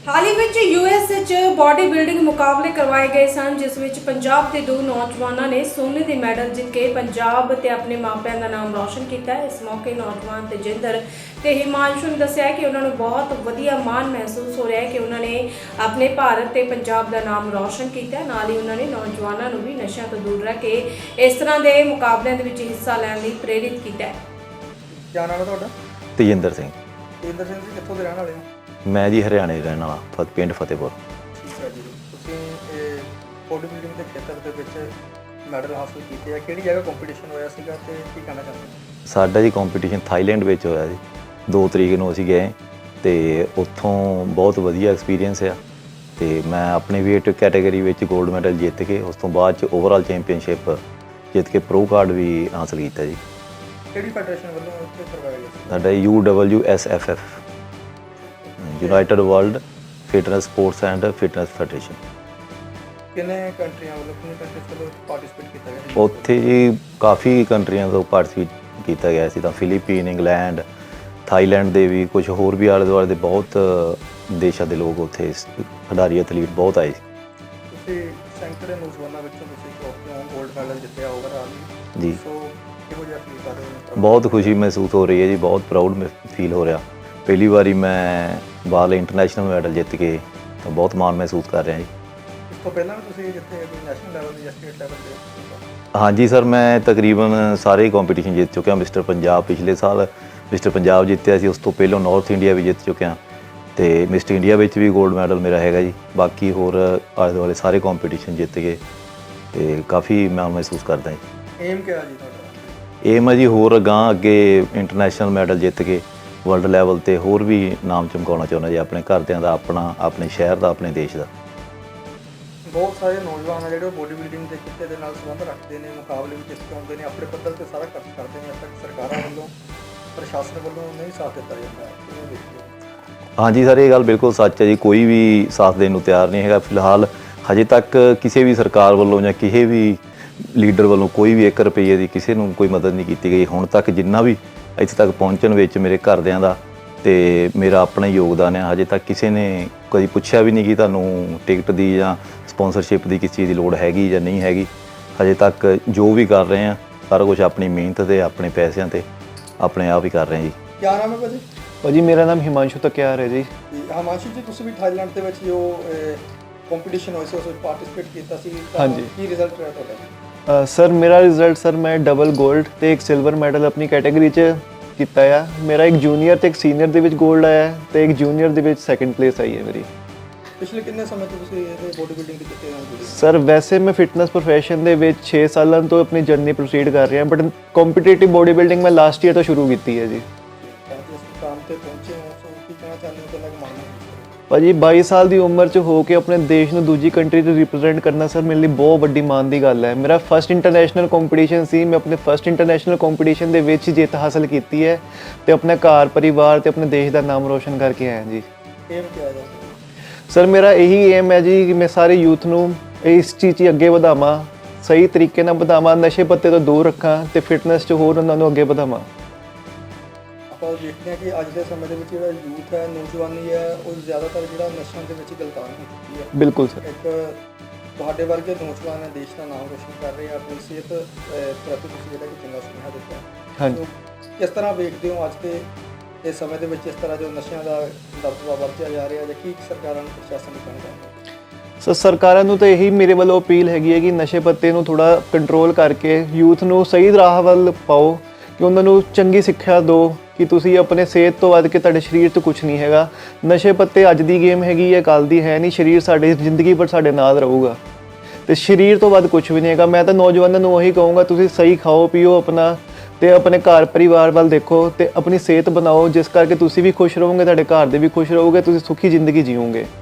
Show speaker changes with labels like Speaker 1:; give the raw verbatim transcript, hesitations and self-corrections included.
Speaker 1: ਹਾਲ ਹੀ ਵਿੱਚ ਯੂਐਸ ਵਿੱਚ body building ਮੁਕਾਬਲੇ ਕਰਵਾਏ ਗਏ ਸਨ, ਜਿਸ ਵਿੱਚ ਪੰਜਾਬ ਦੇ ਦੋ ਨੌਜਵਾਨਾਂ ਨੇ ਸੋਨੇ ਦੇ ਮੈਡਲ ਜਿੱਤ ਕੇ ਪੰਜਾਬ ਤੇ ਆਪਣੇ ਮਾਪਿਆਂ ਦਾ ਨਾਮ ਰੌਸ਼ਨ ਕੀਤਾ ਹੈ। ਇਸ ਮੌਕੇ ਨੌਜਵਾਨ ਤੇਜਿੰਦਰ ਤੇ ਹਿਮਾਂਸ਼ੂ ਨੇ ਦੱਸਿਆ ਕਿ ਉਹਨਾਂ ਨੂੰ ਬਹੁਤ ਵਧੀਆ ਮਾਣ ਮਹਿਸੂਸ ਹੋ ਰਿਹਾ ਹੈ ਕਿ ਉਹਨਾਂ ਨੇ ਆਪਣੇ ਭਾਰਤ ਤੇ ਪੰਜਾਬ ਦਾ ਨਾਮ ਰੌਸ਼ਨ ਕੀਤਾ। ਨਾਲ ਹੀ ਉਹਨਾਂ ਨੇ ਨੌਜਵਾਨਾਂ ਨੂੰ ਵੀ ਨਸ਼ਿਆਂ ਤੋਂ ਦੂਰ ਰਹਿ ਕੇ ਇਸ ਤਰ੍ਹਾਂ ਦੇ ਮੁਕਾਬਲਿਆਂ ਦੇ ਵਿੱਚ ਹਿੱਸਾ ਲੈਣ ਲਈ ਪ੍ਰੇਰਿਤ ਕੀਤਾ ਹੈ।
Speaker 2: ਕੀ ਨਾਮ ਹੈ ਤੁਹਾਡਾ?
Speaker 3: ਤੇਜਿੰਦਰ ਸਿੰਘ।
Speaker 2: ਤੇਜਿੰਦਰ ਸਿੰਘ ਜੀ ਕਿੱਥੋਂ ਦੇ ਰਹਿਣ ਵਾਲੇ ਹੋ?
Speaker 3: ਮੈਂ ਜੀ ਹਰਿਆਣੇ ਦਾ ਰਹਿਣ ਵਾਲਾ, ਫਤ ਪਿੰਡ ਫਤਿਹਪੁਰ।
Speaker 2: ਠੀਕ ਹੈ ਜੀ। ਤੁਸੀਂ ਇਹ ਬੋਡੀ ਬਿਲਡਿੰਗ ਦੇ ਖੇਤਰ ਦੇ ਵਿੱਚ ਮੈਡਲ ਹਾਸਲ ਕੀਤੇ ਆ, ਕਿਹੜੀ ਜਗ੍ਹਾ ਕੰਪੀਟੀਸ਼ਨ ਹੋਇਆ ਸੀਗਾ ਤੇ ਕੀ ਕਹਿਣਾ ਚਾਹੁੰਦੇ ਹੋ?
Speaker 3: ਸਾਡਾ ਜੀ ਕੰਪੀਟੀਸ਼ਨ ਥਾਈਲੈਂਡ ਵਿੱਚ ਹੋਇਆ ਜੀ। ਦੋ ਤਰੀਕ ਨੂੰ ਅਸੀਂ ਗਏ ਤੇ ਉੱਥੋਂ ਬਹੁਤ ਵਧੀਆ ਐਕਸਪੀਰੀਅੰਸ ਆ ਤੇ ਮੈਂ ਆਪਣੀ ਵੇਟ ਕੈਟਾਗਰੀ ਵਿੱਚ 골ਡ ਮੈਡਲ ਜਿੱਤ ਕੇ ਉਸ ਤੋਂ ਬਾਅਦ ਚ ਓਵਰਆਲ ਚੈਂਪੀਅਨਸ਼ਿਪ ਜਿੱਤ ਕੇ ਪ੍ਰੋ ਕਾਰਡ ਵੀ ਹਾਸਲ ਕੀਤਾ ਜੀ।
Speaker 2: ਕਿਹੜੀ ਫੈਡਰੇਸ਼ਨ ਵੱਲੋਂ ਉੱਥੇ ਕਰਵਾਇਆ ਗਿਆ ਸੀ?
Speaker 3: ਸਾਡਾ U W S F F, united world fitness sports and fitness federation.
Speaker 2: ਕਿੰਨੇ ਕੰਟਰੀਆਂ ਵੱਲੋਂ ਕਿੰਨੇ ਕੰਟਰੀਜ਼ ਵੱਲੋਂ ਪਾਰਟਿਸਿਪੇਟ ਕੀਤਾ ਗਿਆ?
Speaker 3: ਉੱਥੇ ਜੀ ਕਾਫੀ ਕੰਟਰੀਆਂ ਤੋਂ ਪਾਰਟਿਸਿਪੇਟ ਕੀਤਾ ਗਿਆ ਸੀ, ਤਾਂ ਫਿਲੀਪੀਨ, ਇੰਗਲੈਂਡ, ਥਾਈਲੈਂਡ ਦੇ ਵੀ, ਕੁਝ ਹੋਰ ਵੀ ਆਲੇ ਦੁਆਲੇ ਦੇ ਬਹੁਤ ਦੇਸ਼ਾਂ ਦੇ ਲੋਕ ਉੱਥੇ ਖਿਡਾਰੀ ਐਥਲੀਟ ਬਹੁਤ ਆਏ ਸੀ।
Speaker 2: ਤੁਸੀਂ ਸੈਂਕੜੇ ਨੌਜਵਾਨਾਂ ਵਿੱਚੋਂ ਤੁਸੀਂ 골ਡ ਮੈਡਲ ਜਿੱਤਿਆ ਓਵਰਆਲ
Speaker 3: ਜੀ।
Speaker 2: ਸੋ ਕਿਹੋ ਜਿਹਾ ਫੀਲ ਕਰ ਰਹੇ ਹੋ?
Speaker 3: ਬਹੁਤ ਖੁਸ਼ੀ ਮਹਿਸੂਸ ਹੋ ਰਹੀ ਹੈ ਜੀ, ਬਹੁਤ ਪ੍ਰਾਊਡ ਫੀਲ ਹੋ ਰਿਹਾ। ਪਹਿਲੀ ਵਾਰੀ ਮੈਂ ਬਾਹਰਲੇ ਇੰਟਰਨੈਸ਼ਨਲ ਮੈਡਲ ਜਿੱਤ ਕੇ ਤਾਂ ਬਹੁਤ ਮਾਣ ਮਹਿਸੂਸ ਕਰ ਰਿਹਾ ਜੀ।
Speaker 2: ਇਸ ਤੋਂ ਪਹਿਲਾਂ ਵੀ ਤੁਸੀਂ ਜਿੱਥੇ ਨੈਸ਼ਨਲ ਲੈਵਲ ਜਾਂ ਸਟੇਟ ਲੈਵਲ ਤੇ?
Speaker 3: ਹਾਂਜੀ ਸਰ, ਮੈਂ ਤਕਰੀਬਨ ਸਾਰੇ ਕੰਪੀਟੀਸ਼ਨ ਜਿੱਤ ਚੁੱਕਿਆ। ਮਿਸਟਰ ਪੰਜਾਬ ਪਿਛਲੇ ਸਾਲ ਮਿਸਟਰ ਪੰਜਾਬ ਜਿੱਤਿਆ ਸੀ, ਉਸ ਤੋਂ ਪਹਿਲਾਂ ਨਾਰਥ ਇੰਡੀਆ ਵੀ ਜਿੱਤ ਚੁੱਕਿਆ ਤੇ ਮਿਸਟਰ ਇੰਡੀਆ ਵਿੱਚ ਵੀ 골ਡ ਮੈਡਲ ਮੇਰਾ ਹੈਗਾ ਜੀ। ਬਾਕੀ ਹੋਰ ਆਲੇ ਦੁਆਲੇ ਸਾਰੇ ਕੰਪੀਟੀਸ਼ਨ ਜਿੱਤ ਕੇ ਤੇ ਕਾਫੀ ਮਾਣ ਮਹਿਸੂਸ ਕਰਦਾ ਜੀ।
Speaker 2: ਏਮ ਕਿਹਾ ਜੀ ਤੁਹਾਡਾ?
Speaker 3: ਏਮ ਹੈ ਜੀ ਹੋਰ ਅਗਾਂਹ ਅੱਗੇ ਇੰਟਰਨੈਸ਼ਨਲ ਮੈਡਲ ਜਿੱਤ ਕੇ ਵਰਲਡ ਲੈਵਲ ਤੇ ਹੋਰ ਵੀ ਨਾਮ ਚਮਕਾਉਣਾ ਚਾਹੁੰਦਾ ਜੀ, ਆਪਣੇ ਘਰਦਿਆਂ ਦਾ, ਆਪਣਾ, ਆਪਣੇ ਸ਼ਹਿਰ ਦਾ, ਆਪਣੇ ਦੇਸ਼ ਦਾ।
Speaker 2: ਬਹੁਤ ਸਾਰੇ ਨੌਜਵਾਨ ਆ ਜਿਹੜੇ ਉਹ ਬੋਡੀ ਬਿਲਡਿੰਗ ਦੇ ਕਿੱਤੇ ਦੇ ਨਾਲ ਸੰਬੰਧ ਰੱਖਦੇ ਨੇ, ਮੁਕਾਬਲੇ ਵਿੱਚ ਹਿੱਸਾ ਪਾਉਂਦੇ ਨੇ, ਆਪਣੇ ਪੱਧਰ ਤੇ ਸਾਰਾ ਖਰਚ ਕਰਦੇ ਨੇ, ਤੱਕ ਸਰਕਾਰਾਂ ਵੱਲੋਂ, ਪ੍ਰਸ਼ਾਸਨ ਵੱਲੋਂ ਨਹੀਂ ਸਾਥ ਦਿੱਤਾ ਜਾਂਦਾ। ਕਿਵੇਂ ਦੇਖਦੇ ਹੋ?
Speaker 3: ਹਾਂਜੀ ਸਰ, ਇਹ ਗੱਲ ਬਿਲਕੁਲ ਸੱਚ ਹੈ ਜੀ। ਕੋਈ ਵੀ ਸਾਥ ਦੇਣ ਨੂੰ ਤਿਆਰ ਨਹੀਂ ਹੈਗਾ ਫਿਲਹਾਲ। ਹਜੇ ਤੱਕ ਕਿਸੇ ਵੀ ਸਰਕਾਰ ਵੱਲੋਂ ਜਾਂ ਕਿਸੇ ਵੀ ਲੀਡਰ ਵੱਲੋਂ ਕੋਈ ਵੀ ਇੱਕ ਰੁਪਈਏ ਦੀ ਕਿਸੇ ਨੂੰ ਕੋਈ ਮਦਦ ਨਹੀਂ ਕੀਤੀ ਗਈ ਹੁਣ ਤੱਕ। ਜਿੰਨਾ ਵੀ ਇੱਥੇ ਤੱਕ ਪਹੁੰਚਣ ਵਿੱਚ ਮੇਰੇ ਘਰਦਿਆਂ ਦਾ ਤੇ ਮੇਰਾ ਆਪਣਾ ਯੋਗਦਾਨ ਹੈ। ਹਜੇ ਤੱਕ ਕਿਸੇ ਨੇ ਕਦੀ ਪੁੱਛਿਆ ਵੀ ਨਹੀਂ ਕਿ ਤੁਹਾਨੂੰ ਟਿਕਟ ਦੀ ਜਾਂ ਸਪਾਂਸਰਸ਼ਿਪ ਦੀ ਕਿਸ ਚੀਜ਼ ਦੀ ਲੋੜ ਹੈਗੀ ਜਾਂ ਨਹੀਂ ਹੈਗੀ। ਹਜੇ ਤੱਕ ਜੋ ਵੀ ਕਰ ਰਹੇ ਹਾਂ ਸਾਰਾ ਕੁਝ ਆਪਣੀ ਮਿਹਨਤ ਤੇ ਆਪਣੇ ਪੈਸਿਆਂ ਤੇ ਆਪਣੇ ਆਪ ਹੀ ਕਰ ਰਹੇ ਹਾਂ ਜੀ।
Speaker 2: ਕੀ ਨਾਮ ਹੈ ਭਾਜੀ?
Speaker 4: ਭਾਜੀ ਮੇਰਾ ਨਾਮ ਹਿਮਾਂਸ਼ੂ ਤਕਿਆਰ ਹੈ ਜੀ।
Speaker 2: ਹਿਮਾਂਸ਼ੂ ਜੀ, ਤੁਸੀਂ ਵੀ ਥਾਈਲੈਂਡ ਦੇ ਵਿੱਚ ਜੋ ਕੰਪੀਟੀਸ਼ਨ ਹੋਇਆ ਸੀ ਉਸ ਵਿੱਚ ਪਾਰਟਿਸਿਪੇਟ ਕੀਤਾ ਸੀ,
Speaker 4: ਹਾਂਜੀ।
Speaker 2: ਕੀ ਰਿਜ਼ਲਟ ਰਿਹਾ ਤੁਹਾਡਾ?
Speaker 4: ਸਰ ਮੇਰਾ ਰਿਜ਼ਲਟ ਸਰ ਮੈਂ ਡਬਲ 골ਡ ਤੇ ਇੱਕ ਸਿਲਵਰ ਮੈਡਲ ਆਪਣੀ ਕੈਟਾਗਰੀ 'ਚ ਕੀਤਾ ਆ। ਮੇਰਾ ਇੱਕ ਜੂਨੀਅਰ ਤੇ ਇੱਕ ਸੀਨੀਅਰ ਦੇ ਵਿੱਚ 골ਡ ਆਇਆ ਤੇ ਇੱਕ ਜੂਨੀਅਰ ਦੇ ਵਿੱਚ ਸੈਕੰਡ ਪਲੇਸ ਆਈ ਹੈ ਮੇਰੀ।
Speaker 2: ਪਿਛਲੇ ਕਿੰਨੇ ਸਮੇਂ ਤੋਂ ਤੁਸੀਂ ਇਹ ਬੋਡੀ ਬਿਲਡਿੰਗ ਦੇ ਕਿੱਤੇ ਨਾਲ ਜੁੜੇ?
Speaker 4: ਸਰ ਵੈਸੇ ਮੈਂ ਫਿਟਨੈਸ ਪ੍ਰੋਫੈਸ਼ਨ ਦੇ ਵਿੱਚ ਛੇ ਸਾਲਾਂ ਤੋਂ ਆਪਣੀ ਜਰਨੀ ਪ੍ਰੋਸੀਡ ਕਰ ਰਿਹਾ, ਬਟ ਕੰਪੀਟੀਟਿਵ ਬੋਡੀ ਬਿਲਡਿੰਗ ਮੈਂ ਲਾਸਟ ਈਅਰ ਤੋਂ ਸ਼ੁਰੂ ਕੀਤੀ ਹੈ ਜੀ।
Speaker 2: ਤਾਂ ਇਸ ਮੁਕਾਮ ਤੇ ਪਹੁੰਚੇ ਹੋ, ਸੋ ਕੀ ਕਹਿਣਾ ਚਾਹੁੰਦੇ ਹੋ? ਕਿੰਨਾ ਕੁ ਮਾਣ ਹੈ?
Speaker 4: ਭਾਜੀ ਬਾਈ ਸਾਲ ਦੀ ਉਮਰ 'ਚ ਹੋ ਕੇ ਆਪਣੇ ਦੇਸ਼ ਨੂੰ ਦੂਜੀ ਕੰਟਰੀ 'ਚ ਰਿਪਰੈਜ਼ੈਂਟ ਕਰਨਾ ਸਰ ਮੇਰੇ ਲਈ ਬਹੁਤ ਵੱਡੀ ਮਾਣ ਦੀ ਗੱਲ ਹੈ। ਮੇਰਾ ਫਸਟ ਇੰਟਰਨੈਸ਼ਨਲ ਕੰਪੀਟੀਸ਼ਨ ਸੀ, ਮੈਂ ਆਪਣੇ ਫਸਟ ਇੰਟਰਨੈਸ਼ਨਲ ਕੰਪੀਟੀਸ਼ਨ ਦੇ ਵਿੱਚ ਜਿੱਤ ਹਾਸਲ ਕੀਤੀ ਹੈ ਤੇ ਆਪਣੇ ਘਰ ਪਰਿਵਾਰ ਤੇ ਆਪਣੇ ਦੇਸ਼ ਦਾ ਨਾਮ ਰੋਸ਼ਨ ਕਰਕੇ ਆਇਆ ਜੀ।
Speaker 2: ਏਮ ਕੀ ਹੈ?
Speaker 4: ਸਰ ਮੇਰਾ ਇਹੀ ਏਮ ਹੈ ਜੀ ਕਿ ਮੈਂ ਸਾਰੇ ਯੂਥ ਨੂੰ ਇਸ ਚੀਜ਼ 'ਚ ਅੱਗੇ ਵਧਾਵਾਂ, ਸਹੀ ਤਰੀਕੇ ਨਾਲ ਵਧਾਵਾਂ, ਨਸ਼ੇ ਪੱਤੇ ਤੋਂ ਦੂਰ ਰੱਖਾਂ ਤੇ ਫਿਟਨੈਸ 'ਚ ਹੋਰ ਉਹਨਾਂ ਨੂੰ ਅੱਗੇ ਵਧਾਵਾਂ।
Speaker 2: ਆਪਾਂ ਦੇਖਦੇ ਹਾਂ ਕਿ ਅੱਜ ਦੇ ਸਮੇਂ ਦੇ ਵਿੱਚ ਜਿਹੜਾ ਯੂਥ ਹੈ, ਨੌਜਵਾਨੀ ਹੈ, ਉਹ ਜ਼ਿਆਦਾਤਰ ਜਿਹੜਾ ਨਸ਼ਿਆਂ ਦੇ ਵਿੱਚ ਗਲਤਾਨ ਹੋ ਚੁੱਕੀ ਹੈ।
Speaker 4: ਬਿਲਕੁਲ ਸਰ।
Speaker 2: ਇੱਕ ਤੁਹਾਡੇ ਵਰਗੇ ਨੌਜਵਾਨ ਦੇਸ਼ ਦਾ ਨਾਮ ਰੋਸ਼ਨ ਕਰ ਰਹੇ ਆ, ਆਪਣੀ ਸਿਹਤ ਅਹ, ਪ੍ਰਤੀ ਤੁਸੀਂ ਜਿਹੜਾ ਕਿ ਚੰਗਾ ਸੁਨੇਹਾ ਦਿੱਤਾ।
Speaker 4: ਹਾਂਜੀ।
Speaker 2: ਸੋ ਕਿਸ ਤਰ੍ਹਾਂ ਵੇਖਦੇ ਹੋ ਅੱਜ ਦੇ ਇਸ ਸਮੇਂ ਦੇ ਵਿੱਚ ਇਸ ਤਰ੍ਹਾਂ ਜੋ ਨਸ਼ਿਆਂ ਦਾ ਦਬਦਬਾ ਵੱਧਦਾ ਜਾ ਰਿਹਾ, ਜਾਂ ਕੀ ਸਰਕਾਰਾਂ ਨੂੰ, ਪ੍ਰਸ਼ਾਸਨ ਨੂੰ ਕਹਿਣਾ ਚਾਹੁੰਦੇ ਹੋ?
Speaker 4: ਸੋ ਸਰਕਾਰਾਂ ਨੂੰ ਤਾਂ ਇਹੀ ਮੇਰੇ ਵੱਲੋਂ ਅਪੀਲ ਹੈਗੀ ਹੈ ਕਿ ਨਸ਼ੇ ਪੱਤੇ ਨੂੰ ਥੋੜ੍ਹਾ ਕੰਟਰੋਲ ਕਰਕੇ ਯੂਥ ਨੂੰ ਸਹੀ ਰਾਹ ਵੱਲ ਪਾਓ, ਕਿ ਉਹਨਾਂ ਨੂੰ ਚੰਗੀ ਸਿੱਖਿਆ ਦਿਓ ਕਿ ਤੁਸੀਂ ਆਪਣੇ ਸਿਹਤ ਤੋਂ ਵੱਧ ਕੇ ਤੁਹਾਡੇ ਸਰੀਰ ਤੋਂ ਕੁਝ ਨਹੀਂ ਹੈਗਾ। ਨਸ਼ੇ ਪੱਤੇ ਅੱਜ ਦੀ ਗੇਮ ਹੈਗੀ ਹੈ, ਕੱਲ੍ਹ ਦੀ ਹੈ ਨਹੀਂ। ਸਰੀਰ ਸਾਡੀ ਜ਼ਿੰਦਗੀ ਭਰ ਸਾਡੇ ਨਾਲ ਰਹੂਗਾ ਤੇ ਸਰੀਰ ਤੋਂ ਵੱਧ ਕੁਝ ਵੀ ਨਹੀਂ ਹੈਗਾ। ਮੈਂ ਤਾਂ ਨੌਜਵਾਨਾਂ ਨੂੰ ਉਹੀ ਕਹੂੰਗਾ, ਤੁਸੀਂ ਸਹੀ ਖਾਓ ਪੀਓ ਆਪਣਾ ਤੇ ਆਪਣੇ ਘਰ ਪਰਿਵਾਰ ਵੱਲ ਦੇਖੋ ਤੇ ਆਪਣੀ ਸਿਹਤ ਬਣਾਓ, ਜਿਸ ਕਰਕੇ ਤੁਸੀਂ ਵੀ ਖੁਸ਼ ਰਹੋਗੇ, ਤੁਹਾਡੇ ਘਰ ਦੇ ਵੀ ਖੁਸ਼ ਰਹੋਗੇ, ਤੁਸੀਂ ਸੁਖੀ ਜ਼ਿੰਦਗੀ ਜੀਓਗੇ।